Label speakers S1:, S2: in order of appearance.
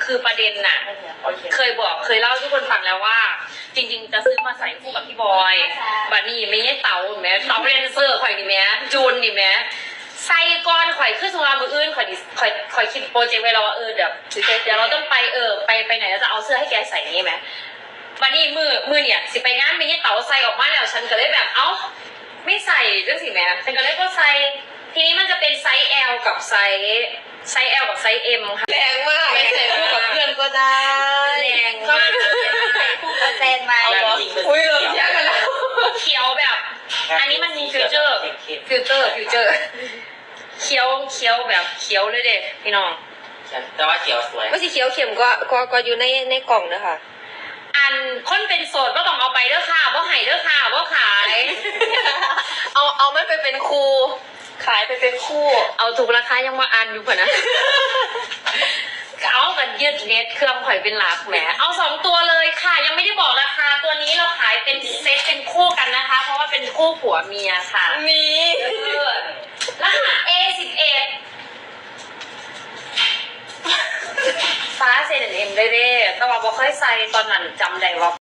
S1: คือประเด็นน่ะเคยเล่าให้ทุกคนฟังแล้วว่า จริงๆจะซื้อมาใส่คู่กับพี่บอยบัดนี้ไม่ใช่เต๋าแม้เต๋าเรนเซอร์ข่อยนี่แม้จูนนี่แม้ใส่ก้อนข่อยขึ้นสงครามมืออื่นข่อยคิดโปรเจกต์ไว้แล้วว่าเดี๋ยวเราต้องไปไปไหนแล้วจะเอาเสื้อให้แกใส่นี่ไหมบัดนี้มือเนี่ยสิไปงานไม่ใช่เต๋าใส่ออกมาแล้วฉันก็เลยแบบเอ้าไม่ใส่เรื่องสิแม่ฉันก็เลยก็ใส่ทีนี้มันจะเป็นไซส์ L กับไซส์ L กับไซส์ M ค่ะ
S2: แรงมากไม่ใส่คู่กับเพื่อนก็ได้
S1: แรงมาก
S3: ใส่คู่กับแฟนมา
S2: อุ้ยเราแยกกันแล้ว
S1: เขียวแบบ อันนี้มันมีฟิวเจอร์เขียวแบบเขียวเลยเด็พี่น้อง
S4: แต่ว่าเขียวสวย
S2: ว่าสีเขียวเข็มก็อยู่ในกล่องนะคะ
S1: อันคนเป็นโสดก็ต้องเอาไปเด้อค่ะว่าหายเด้อค่ะว่าขาย
S2: เอาไม่ไปเป็นครูขายไปเป็นคู่
S1: เอาถูกราคายังมาอันอยู่เผื่อนะ เอากันยืดเน็ตเครื่องข่อยเป็นหลักแหมเอา2ตัวเลยค่ะยังไม่ได้บอกราคาตัวนี้เราขายเป็นเซ็ตเป็นคู่กันนะคะ เพราะว่าเป็นคู่ผัวเมียค่ะ
S2: นี่
S1: รหัส A11 ฟ้าเซนเอ็มได้แต่ว่าบ่ค่อยใส่ตอนนั้นจำได้ว่า